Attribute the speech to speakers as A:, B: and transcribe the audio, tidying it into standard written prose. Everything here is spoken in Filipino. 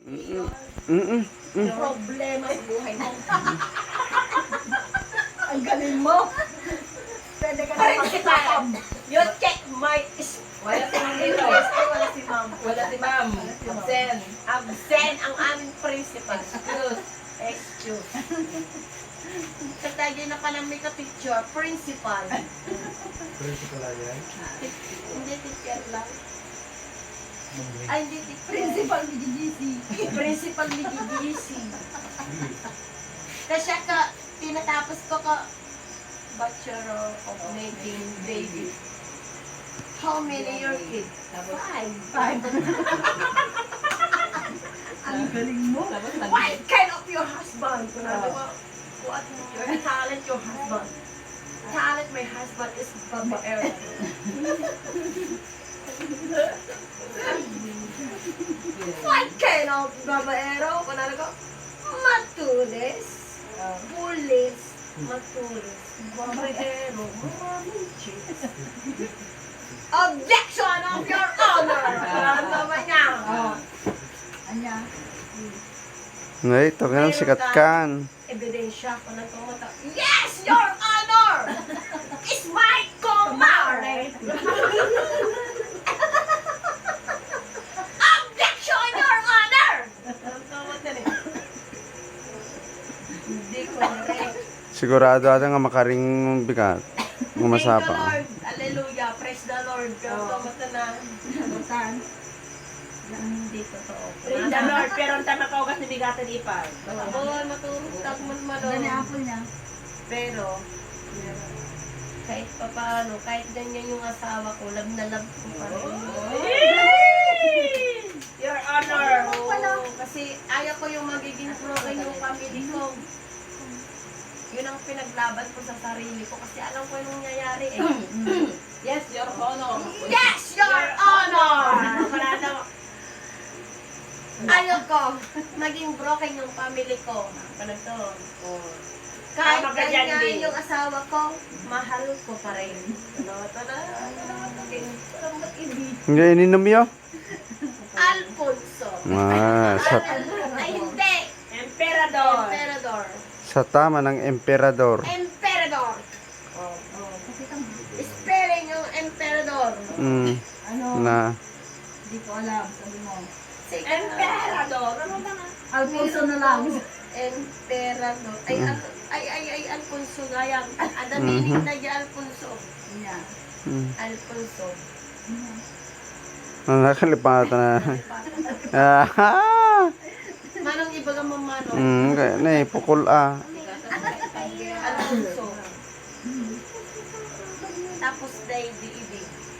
A: Problema sa buhay mo. Ang galing mo. Pwede ka na mag-stop. You check my...
B: Wala si ma'am dito.
A: Wala si ma'am.
B: Wala si ma'am. Absent.
A: Absent ang aming principal.
B: Excuse.
A: Excuse. Katagay na pa ng make a picture. Principal.
C: Principal lang yan.
A: Hindi teacher lang. Ay, hindi teacher.
D: Principal ni GGC.
A: Principal ni GGC. Kasi ka, tinatapos ko ka Bachelor of Making Baby. How many your kids? Five.
D: Ang galing mo.
B: Tapos
A: What kind of your husband? What your talent your husband? Talent my husband is babaero. What kind of babaero? Kunwari ko, matulis, pulis, matulis, babaero, maraming chicks. Objection of your honor! Ano naman niya?
D: Anya.
E: Ngay, ito ka sikat kan.
A: Ebidensya ko ng tumata. Yes, your honor! It's my kumare! Objection, your honor! Ang tumata niya. Hindi ko rin.
E: Sigurado ata nga makaring bigat.
A: Thank the
E: Gumasapa.
A: Lord. Hallelujah. Praise the Lord. Ang tumata na.
D: Butan.
A: Hindi totoo.
B: Praise the Lord, pero ang tama ka ugas ni bigatan ipag.
A: Oo, matutag man
D: Gani apple niya.
A: Pero, kahit pa paano, kahit ganyan yung asawa ko, love na love ko pa rin.
B: Your honor.
A: Oo, kasi ayaw ko yung magiging broken yung family ko. Yun ang pinaglaban ko sa sarili ko kasi alam ko yung nangyayari eh.
B: Yes, your honor.
A: Yes, your honor! Ayaw ko maging broken yung family ko. Ganito. Kahit
B: Tama ka dyan,
A: ganyan
B: Bill.
A: yung asawa ko, mahal ko pa rin.
E: Hindi, ininom yo.
A: Alfonso.
E: Sa
A: Ay, hindi.
B: Emperador.
A: Emperador.
E: tama ng emperador.
A: Emperador. Spelling yung emperador.
D: Ano?
E: Na,
D: Hindi ko alam. Sabi mo.
A: Sige.
B: Emperador. Ano ba nga?
D: Alfonso na lang.
A: Emperador. Ay, Alfonso nga yan. Ang meaning na yung Alfonso.
D: Niya.
A: Alfonso.
E: ang nakalipatan na.
A: Manong ibaga mo manong.
E: Kaya na pukul ah.
A: Alfonso. Tapos day di.